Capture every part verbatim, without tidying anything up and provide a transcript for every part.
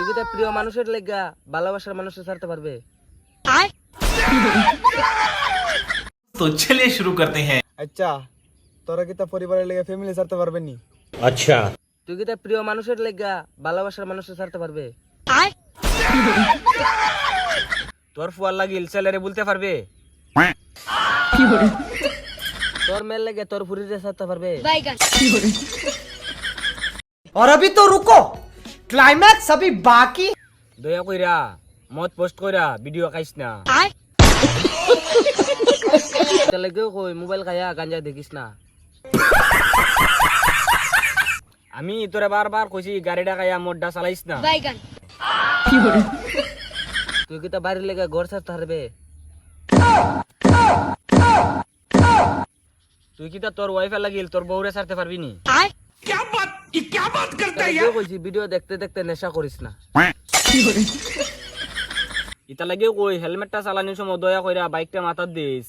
তুই কি তোর প্রিয় মানুষের লেগা ভালোবাসার মানুষের ছাড়তে পারবে? तो चलिए शुरू करते हैं। আচ্ছা তোরা কি তা পরিবারের লেগে ফ্যামিলি ছাড়তে পারবে নি? अच्छा তুই কি তোর প্রিয় মানুষের লেগা ভালোবাসার মানুষের ছাড়তে পারবে? তোর ফুয়ার লাগিল ছেলেরে বলতে পারবে? তোর মেয়ের লেগে তোর ফুরিরে ছাড়তে পারবে? और अभी तो रुको, क्लाइमैक्स अभी बाकी। দয়া কইরা মত পোস্ট কইরা ভিডিও খাইস না। তাহলে কেউ কই মোবাইল খায়া গাঞ্জা দেখিস না। আমি তোরে বারবার কইছি গাড়িটা খায়া মোডটা চালাইস না। তুই কি তা বাড়ির লেগে ঘর ছাড়তে পারবে? তুই কি তা তোর ওয়াইফাই লাগিল তোর বউরে ছাড়তে পারবি নি? क्या बात ये क्या बात करते हैं কেউ কইছি ভিডিও দেখতে দেখতে নেশা করিস না। ইতা লাগেও কই হেলমেটটা চালানোর সময় দয়া কইরা বাইকটা মাথার দিস।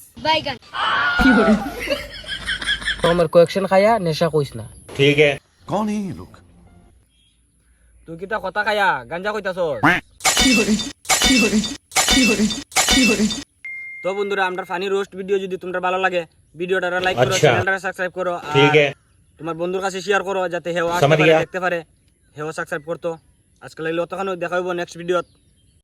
আমার কোয়েকশন খায়া নেশা কইস না। ठीक है कौन है ये लोग? তুই কি তা কথা খায়া গাঞ্জা কইতাছস? তো বন্ধুরা আমরা ফানি রোস্ট ভিডিও যদি তোমার ভালো লাগে ভিডিওটা লাইক করো, আচ্ছা। চ্যানেলটা সাবস্ক্রাইব করো, ठीक है তোমার বন্ধুর কাছে শেয়ার করো যাতে হেও আসতে समझ পারে गया। দেখতে পারে, হেও সাবস্ক্রাইব করতো। আজকে লাগলে অতখানি দেখা হইব নেক্সট ভিডিওত।